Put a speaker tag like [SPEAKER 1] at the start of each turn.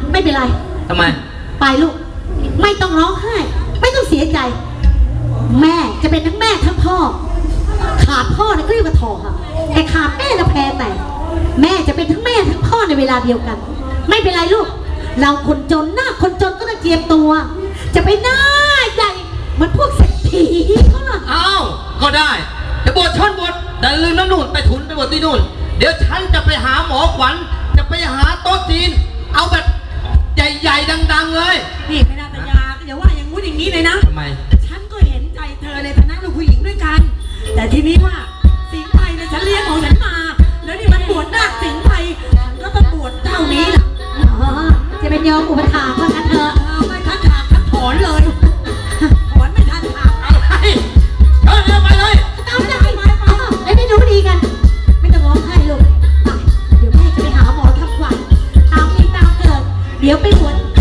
[SPEAKER 1] ไม่เป็นไร
[SPEAKER 2] ทำไม
[SPEAKER 1] ไปลูกไม่ต้องร้องไห้ไม่ต้องเสียใจแม่จะเป็นทั้งแม่ทั้งพ่อขาดพ่อนะก็เรียกว่าทอค่ะแต่ขาดแม่นะแพ้แต่แม่จะเป็นทั้งแม่ทั้งพ่อในเวลาเดียวกันไม่เป็นไรลูกเราคนจนหน้าคนจนก็ต้องเจียมตัวจะไปหน้าใหญ่เหมือนพวกเศรษฐีเขาล่ะ
[SPEAKER 2] อ้าวก็ได้จะบวชชนบวชแต่ลืมน้ำนู่นไปทุนไปบวชที่นู่นเดี๋ยวฉันจะไปหาหมอขวัญจะไปหาโต๊ะจีนเอาแบบใหญ่ๆดังๆเลย
[SPEAKER 3] นี่ไม่น่าตยาอย่าว่าอย่างงู้นอย่างนี้เลยนะ
[SPEAKER 2] ทำไม
[SPEAKER 3] ฉันก็เห็นใจเธอในฐานะลูกผู้หญิงด้วยกันแต่ทีนี้ว่าสิงห์ไพรนะฉันเลี้ยงของฉันมาแล้วนี่มันบวชนาคสิงห์ไพรฉันก็ต้องบวชเท่านี้ล่ะ
[SPEAKER 1] จะเป็นโยมอุปถากว่างั้นเถอะ
[SPEAKER 3] ไม่ทันถากทันถอนเลยถอนไม่ทันถาก
[SPEAKER 2] อะไรเดินไปเลย
[SPEAKER 1] เอาใจแล้วได้รู้ดีกันไม่ต้องร้องไห้ลูกไปเดี๋ยวแม่จะไปหาหมอทำขวัญตามมีตามเกิดเดี๋ยวไปบวช